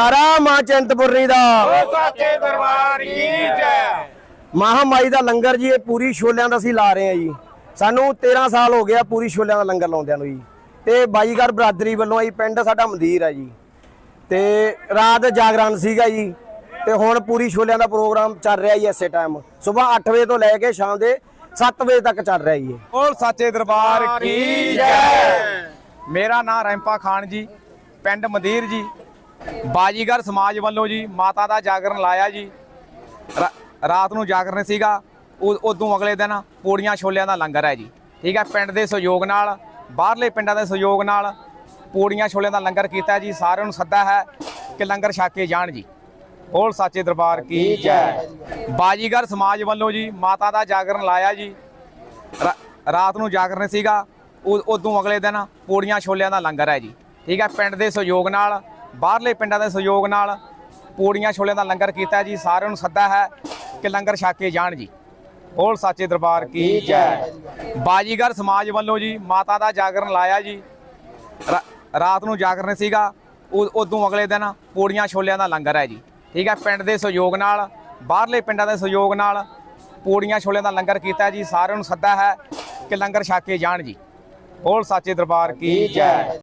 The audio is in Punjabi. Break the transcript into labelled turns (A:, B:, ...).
A: जयकारा मां चिंतपुर्णी दा
B: साचे दरबार की जय।
A: महामाई ਦਾ ਲੰਗਰ ਜੀ ਇਹ ਪੂਰੀ ਛੋਲਿਆਂ ਦਾ ਅਸੀਂ ਲਾ ਰਹੇ ਹਾਂ ਜੀ। ਸਾਨੂੰ 13 ਸਾਲ ਹੋ ਗਿਆ ਪੂਰੀ ਛੋਲਿਆਂ ਦਾ ਲੰਗਰ ਲਾਉਂਦਿਆਂ ਨੂੰ ਜੀ। ਤੇ ਬਾਈਗਰ ਬਰਾਦਰੀ ਵੱਲੋਂ ਜੀ ਪਿੰਡ ਸਾਡਾ ਮੰਦਿਰ ਹੈ ਜੀ। ਤੇ ਰਾਤ ਜਾਗਰਣ ਸੀਗਾ ਜੀ। ਤੇ ਹੁਣ ਪੂਰੀ ਛੋਲਿਆਂ ਦਾ ਪ੍ਰੋਗਰਾਮ ਚੱਲ ਰਿਹਾ ਜੀ। ਇਸੇ ਟਾਈਮ ਸਵੇਰ 8 ਵਜੇ ਤੋਂ ਲੈ ਕੇ ਸ਼ਾਮ ਦੇ 7 ਵਜੇ ਤੱਕ ਚੱਲ ਰਿਹਾ ਜੀ।
B: बोल साचे दरबार की जय। मेरा नाम रैंपा खान जी, पिंड मंदिर जी। बाजीगर समाज वालों जी माता का जागरण लाया जी। रात ਨੂੰ ਜਾਗਰਣ ਸੀਗਾ, ਉਦੋਂ ਅਗਲੇ ਦਿਨ ਪੂੜੀਆਂ ਛੋਲਿਆਂ ਦਾ ਲੰਗਰ ਹੈ ਜੀ। ਠੀਕ ਹੈ, ਪਿੰਡ ਦੇ ਸਹਿਯੋਗ ਨਾਲ, ਬਾਹਰਲੇ ਪਿੰਡਾਂ ਦੇ ਸਹਿਯੋਗ ਨਾਲ ਪੂੜੀਆਂ ਛੋਲਿਆਂ ਦਾ ਲੰਗਰ ਕੀਤਾ ਜੀ। ਸਾਰਿਆਂ ਨੂੰ ਸੱਦਾ ਹੈ ਕਿ ਲੰਗਰ ਛਕ ਕੇ ਜਾਣ ਜੀ। ਬੋਲ ਸਾਚੇ ਦਰਬਾਰ ਕੀ ਜੈ। ਬਾਜੀਗਰ ਸਮਾਜ ਵੱਲੋਂ ਜੀ ਮਾਤਾ ਦਾ ਜਾਗਰਣ ਲਾਇਆ ਜੀ। ਰਾਤ ਨੂੰ ਜਾਗਰਣ ਸੀਗਾ, ਉਦੋਂ ਅਗਲੇ ਦਿਨ ਪੂੜੀਆਂ ਛੋਲਿਆਂ ਦਾ ਲੰਗਰ ਹੈ ਜੀ। ਠੀਕ ਹੈ, ਪਿੰਡ ਦੇ ਸਹਿਯੋਗ ਨਾਲ, ਬਾਹਰਲੇ ਪਿੰਡਾਂ ਦੇ ਸਹਿਯੋਗ ਨਾਲ ਪੂੜੀਆਂ ਛੋਲਿਆਂ ਦਾ ਲੰਗਰ ਕੀਤਾ ਜੀ। ਸਾਰਿਆਂ ਨੂੰ ਸੱਦਾ ਹੈ ਕਿ ਲੰਗਰ ਛਕ ਕੇ ਜਾਣ ਜੀ। ਬੋਲ ਸਾਚੇ ਦਰਬਾਰ ਕੀ ਜੈ। ਬਾਜੀਗਰ ਸਮਾਜ ਵੱਲੋਂ ਜੀ ਮਾਤਾ ਦਾ ਜਾਗਰਣ ਲਾਇਆ ਜੀ। ਰਾਤ ਨੂੰ ਜਾਗਰਣ ਸੀਗਾ, ਉਦੋਂ ਅਗਲੇ ਦਿਨ ਪੂੜੀਆਂ ਛੋਲਿਆਂ ਦਾ ਲੰਗਰ ਹੈ ਜੀ। ਠੀਕ ਹੈ, ਪਿੰਡ ਦੇ ਸਹਿਯੋਗ ਨਾਲ, ਬਾਹਰਲੇ ਪਿੰਡਾਂ ਦੇ ਸਹਿਯੋਗ ਨਾਲ ਪੂੜੀਆਂ ਛੋਲਿਆਂ ਦਾ ਲੰਗਰ ਕੀਤਾ ਜੀ। ਸਾਰਿਆਂ ਨੂੰ ਸੱਦਾ ਹੈ ਕਿ ਲੰਗਰ ਛਕ ਕੇ ਜਾਣ ਜੀ। ਬੋਲ ਸਾਚੇ ਦਰਬਾਰ ਕੀ ਜੈ।